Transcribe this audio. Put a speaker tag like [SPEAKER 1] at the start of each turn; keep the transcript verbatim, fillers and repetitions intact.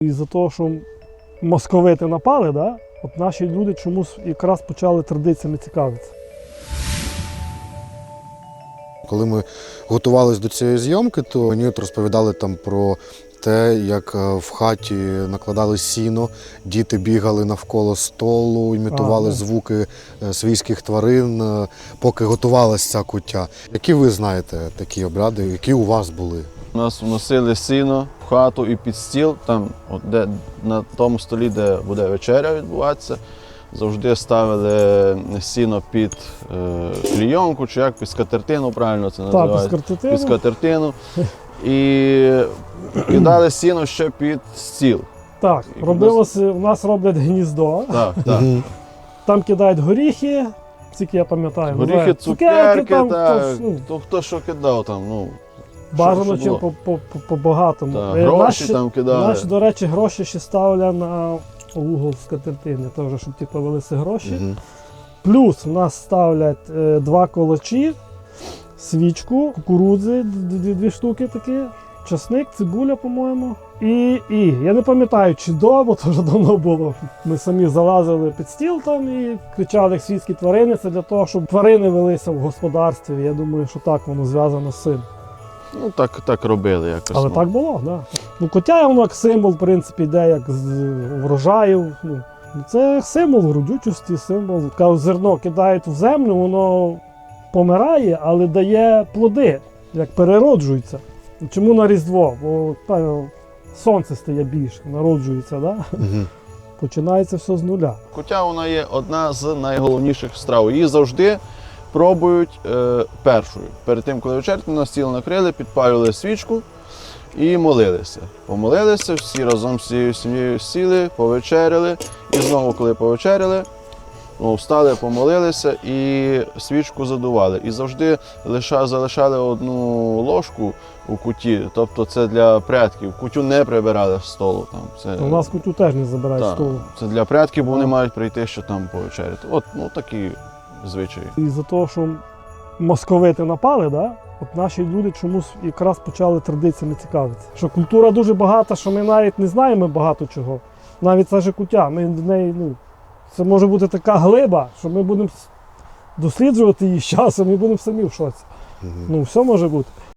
[SPEAKER 1] Із-за того, що московити напали, да? От наші люди чомусь якраз почали традиціями цікавитися.
[SPEAKER 2] Коли ми готувалися до цієї зйомки, то мені от розповідали там про те, як в хаті накладали сіно, діти бігали навколо столу, імітували
[SPEAKER 1] А,
[SPEAKER 2] звуки свійських тварин, поки готувалася ця куття. Які ви знаєте такі обряди, які у вас були?
[SPEAKER 3] У нас вносили сіно в хату і під стіл, там, от де, на тому столі, де буде вечеря відбуватися, завжди ставили сіно під е, клійонку, чи як, під скатертину, правильно це називається?
[SPEAKER 1] Так, під скатертину.
[SPEAKER 3] Під скатертину. І кидали сіно ще під стіл.
[SPEAKER 1] Так,
[SPEAKER 3] І
[SPEAKER 1] робилося, у нас роблять гніздо,
[SPEAKER 3] Так, так.
[SPEAKER 1] там кидають горіхи, тільки я пам'ятаю.
[SPEAKER 3] Горіхи,
[SPEAKER 1] називають
[SPEAKER 3] цукерки,
[SPEAKER 1] там,
[SPEAKER 3] так,
[SPEAKER 1] то, ну,
[SPEAKER 3] то хто що кидав там, ну,
[SPEAKER 1] бажано
[SPEAKER 3] що
[SPEAKER 1] чим
[SPEAKER 3] було?
[SPEAKER 1] по- по- по багатому.
[SPEAKER 3] Так,
[SPEAKER 1] Е,
[SPEAKER 3] гроші
[SPEAKER 1] наші,
[SPEAKER 3] там кидали.
[SPEAKER 1] Наші, до речі, гроші ще ставлять на угол скатертини, теж, щоб типу, велися гроші.
[SPEAKER 2] Мгм.
[SPEAKER 1] Плюс у нас ставлять е, два колочі, свічку, кукурудзи, дві, дві штуки такі, часник, цибуля, по-моєму. І, і я не пам'ятаю, чи довго, то вже давно було. Ми самі залазили під стіл там і кричали як свійські тварини. Це для того, щоб тварини велися в господарстві. Я думаю, що так воно зв'язано з цим.
[SPEAKER 3] Ну, так, так робили якось.
[SPEAKER 1] Але
[SPEAKER 3] ну.
[SPEAKER 1] так було, так. Да. Ну, котя воно як символ, в принципі, йде як з врожаю. Ну, це символ родючості, символ. Кажуть, зерно кидають в землю, воно помирає, але дає плоди, як перероджується. Чому на Різдво? Бо та, сонце стає більше, народжується, да?
[SPEAKER 2] Мгм.
[SPEAKER 1] Починається все з нуля.
[SPEAKER 3] Куття вона є одна з найголовніших страв. Її завжди пробують е, першою. Перед тим, коли вечеряти, на стіл накрили, підпалювали свічку і молилися. Помолилися, всі разом з цією сім'єю сіли, повечеряли. І знову, коли повечеряли, ну, встали, помолилися і свічку задували. І завжди лиша, залишали одну ложку у куті, тобто це для предків. Кутю не прибирали з столу. Там. Це,
[SPEAKER 1] У нас кутю теж не забирають з
[SPEAKER 3] так,
[SPEAKER 1] столу.
[SPEAKER 3] це для предків, бо вони
[SPEAKER 1] Так.
[SPEAKER 3] мають прийти, що там повечеряти. От, ну, такі звичаї.
[SPEAKER 1] Із-за того, що московити напали, да? От наші люди чомусь якраз почали традиціями цікавитися. Що культура дуже багата, що ми навіть не знаємо багато чого. Навіть це ж куття. Ми в неї, ну, це може бути така глиба, що ми будемо досліджувати її з часом і будемо самі в шоці.
[SPEAKER 2] Мгм.
[SPEAKER 1] Ну, все може бути.